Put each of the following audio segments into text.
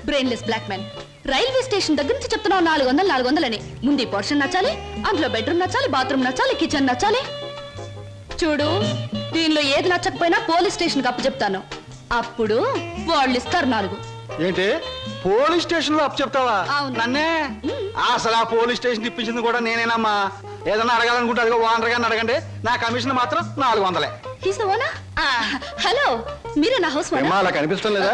Brainless black man. Railway station దగ్గర నుంచి చెప్తున్నావు 400 400 ముందు ఈ పోర్షన్ నచ్చాలి, అందులో బెడ్రూమ్ నచ్చాలి, బాత్రూమ్ నచ్చాలి, కిచెన్ నచ్చాలి. చూడు, దీనిలో ఏది నచ్చకపోయినా పోలీస్ స్టేషన్ కి అప్పు చెప్తాను. అప్పుడు వాళ్ళు ఇస్తారు 4. ఏంటి పోలీస్ స్టేషన్ లో అప్పు చెప్తావా? అవును. నన్నే అసలు ఆ పోలీస్ స్టేషన్ ఇప్పించింది కూడా నేనేనమ్మా. ఏదన్నా అడగాలనుకుంటే అదిగో ఓనర్ గారిని అడగండి. నా కమిషన్ మాత్రం 400. హలో, మీరే నా హౌస్ అలా కనిపిస్తాం లేదా?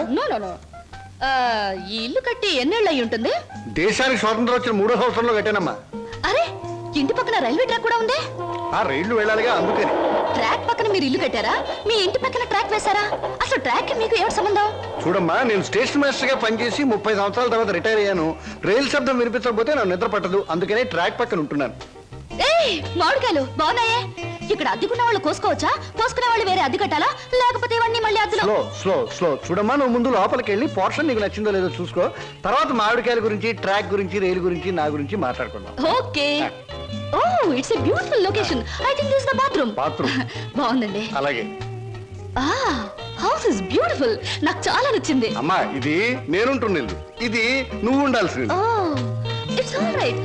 ఈ ఇల్లు కట్టి ఎన్నేళ్ళు అయి ఉంటుంది? దేశానికి స్వాతంత్రం వచ్చిన 3వ సంవత్సరంలో కట్టానమ్మా. అరే, ఇంటి పక్కన రైల్వే ట్రాక్ కూడా ఉంది. ఆ రైళ్లు వెళ్ళాలిగా, అందుకని. ట్రాక్ పక్కన మీరు ఇల్లు కట్టారా? మీ ఇంటి పక్కన ట్రాక్ వేశారా? అసలు ట్రాక్ మీకు ఏమిటి సంబంధం? చూడమ్మా, నేను స్టేషన్ మాస్టర్ గా పనిచేసి 30 సంవత్సరాల తర్వాత రిటైర్ అయ్యాను. రైలు శబ్దం వినిపించకపోతే నాకు నిద్ర పట్టదు, అందుకనే ట్రాక్ పక్కన ఉంటున్నాను. మామిడికాయలు బాగున్నాయే. ఇక్కడ అద్దెకున్న వాళ్ళు కోసుకోవచ్చా? కోసుకునే వాళ్ళు వేరే అద్దె కట్టాలా, లేకపోతే ఇవన్నీ మళ్ళీ అద్దెలో? స్లో స్లో స్లో చూడమ్మా, నువ్వు ముందు లోపలికి వెళ్ళి పోర్షన్ నీకు నచ్చిందో లేదో చూసుకో. తర్వాత మామిడికాయల గురించి, ట్రాక్ గురించి, రైలు గురించి, నా గురించి మాట్లాడుకుందాం. Okay. Oh, it's a beautiful location. I think this is the bathroom. బాగుందండి. అలాగే. House is beautiful. నాకు చాలా నచ్చింది. అమ్మా, ఇది నేనుంటున్న ఇల్లు, ఇది నువ్వు ఉండాల్సింది. It's all right.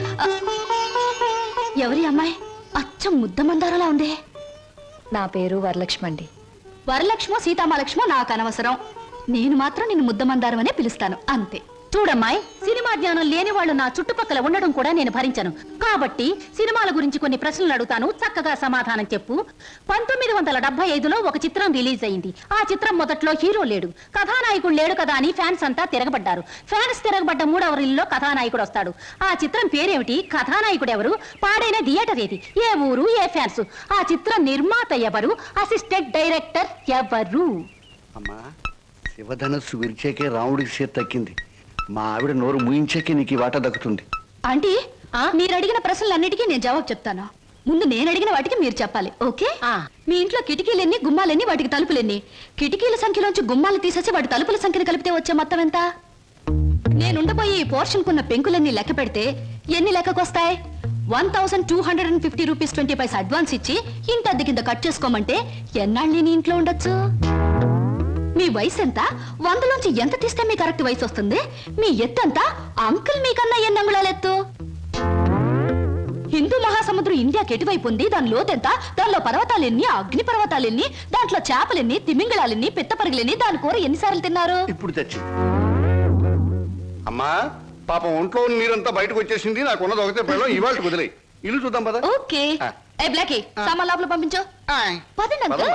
ఎవరి అమ్మాయి? అచ్చం ముద్ద మందారలా ఉంది. నా పేరు వరలక్ష్మి అండి. వరలక్ష్మో సీతామలక్ష్మో నాకు అనవసరం. నేను మాత్రం నిన్ను ముద్ద మందారం అనే పిలుస్తాను, అంతే. చూడమ్మాయి, సినిమా జ్ఞానం లేని వాళ్ళు నా చుట్టుపక్కల ఉండడం కూడా నేను భరించను. కాబట్టి సినిమాల గురించి కొన్ని ప్రశ్నలు అడుగుతాను, చక్కగా సమాధానం చెప్పు. 1975లో ఒక చిత్రం రిలీజ్ అయింది. ఆ చిత్రం మొదట్లో హీరో లేడు, కథానాయకుడు లేడు కదా అని ఫ్యాన్స్ అంతా తిరగబడ్డారు. ఫ్యాన్స్ తిరగబడ్డ 3వ రీల్లో కథానాయకుడు వస్తాడు. ఆ చిత్రం పేరేమిటి? కథానాయకుడు ఎవరు? పాడైన థియేటర్ ఏది? ఏ ఊరు? ఏ ఫ్యాన్స్? ఆ చిత్రం నిర్మాత ఎవరు? అసిస్టెంట్ డైరెక్టర్ ఎవరు? అమ్మా, శివధనస్సు విరిచేకే రాముడికి చేతి తక్కింది. మా ఆవిడ నోరు ముయించాకే నీకు ఈ వాట దక్కుతుంది. ఆంటీ, మీరు అడిగిన ప్రశ్నలన్నిటికీ నేను జవాబు చెప్తాను. ముందు నేను అడిగిన వాటికి మీరు చెప్పాలి, ఓకే? మీ ఇంట్లో కిటికీలెన్ని, గుమ్మాలెన్ని, వాటికి తలుపులెన్ని? కిటికీల సంఖ్యలోంచి గుమ్మాలు తీసేసి వాటి తలుపుల సంఖ్యను కలిపితే వచ్చే మొత్తం ఎంత? నేనుండబోయే ఈ పోర్షన్ కున్న పెంకులన్నీ లెక్క పెడితే ఎన్ని లెక్కకొస్తాయి? 1250 రూపీస్ 20 పైసా అడ్వాన్స్ ఇచ్చి ఇంత అద్దె కింద కట్ చేసుకోమంటే ఎన్నాళ్ళు నేను ఇంట్లో ఉండొచ్చు? మీ వయసు ఎంత? 100లోంచి ఎంత తీస్తే మీ కరెక్ట్ వయసు వస్తుంది? మీ ఎత్తు ఎంత? అంకుల్ మీకన్నా ఎన్ని అంగుళాల ఎత్తు? హిందూ మహాసముద్రం ఇండియాకి ఎటువైపు ఉంది? దాని లోతెంత? దానిలో పర్వతాలెన్ని, అగ్ని పర్వతాలెన్ని, దాంట్లో చేపలెన్ని, తిమింగళాలెన్ని, పిత్తపరిగలెన్ని, దాని కూర ఎన్నిసార్లు తిన్నారు? ఇప్పుడు తెచ్చి అమ్మా, పాపం ఒంట్లో నీరంతా బయటకు వచ్చేసింది. నాకున్నది ఒకటే పిల్లలు, ఇవాళ కుదిలే. ఇల్లు చూద్దాం పద. ఓకే. ఏ బ్లాకీ, సామాన్ లోపల పంపించు. పదండి అంకుల్.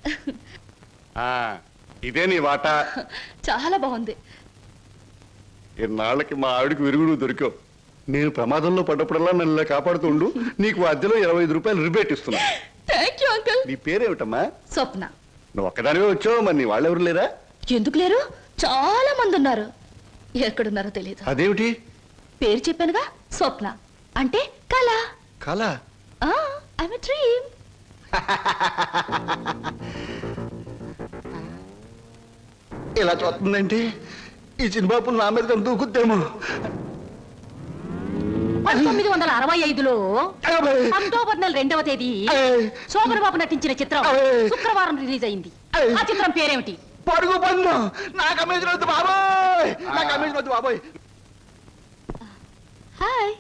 ఇదే నీ వాట. చాలా బాగుంది. ఇన్నాళ్ళకి మా ఆవిడికి విరుగుడు దొరికావు. నేను ప్రమాదంలో పడ్డప్పుడల్లా నన్ను ఇలా కాపాడుతూ ఉండు. నీకు అద్దెలో 25 రూపాయలు రిబేట్ ఇస్తున్నా. Thank you uncle. నీ పేరేమిటమ్మా? స్వప్న. నువ్వు ఒక్కదానివే వచ్చావు, మరి నీ వాళ్ళెవరు లేరా? ఎందుకు లేరు? చాలా మంది ఉన్నారు. ఎక్కడున్నారో తెలియదు. అదేమిటి? పేరు చెప్పానుగా, స్వప్న అంటే కళ. కళ? I'm a dream. ఇలా చూస్తుందంటే ఈ చిన్నబాబు నా మీద దూకుద్దేమో. 1965లో అక్టోబర్ నెల 2వ తేదీ శోభన్ బాబు నటించిన చిత్రం శుక్రవారం రిలీజ్ అయింది. ఆ చిత్రం పేరేమిటి? పడుగు పన్ను. నా కమిషన్ వద్దు బాబోయ్, నా కమిషన్ వద్దు బాబోయ్. హాయ్.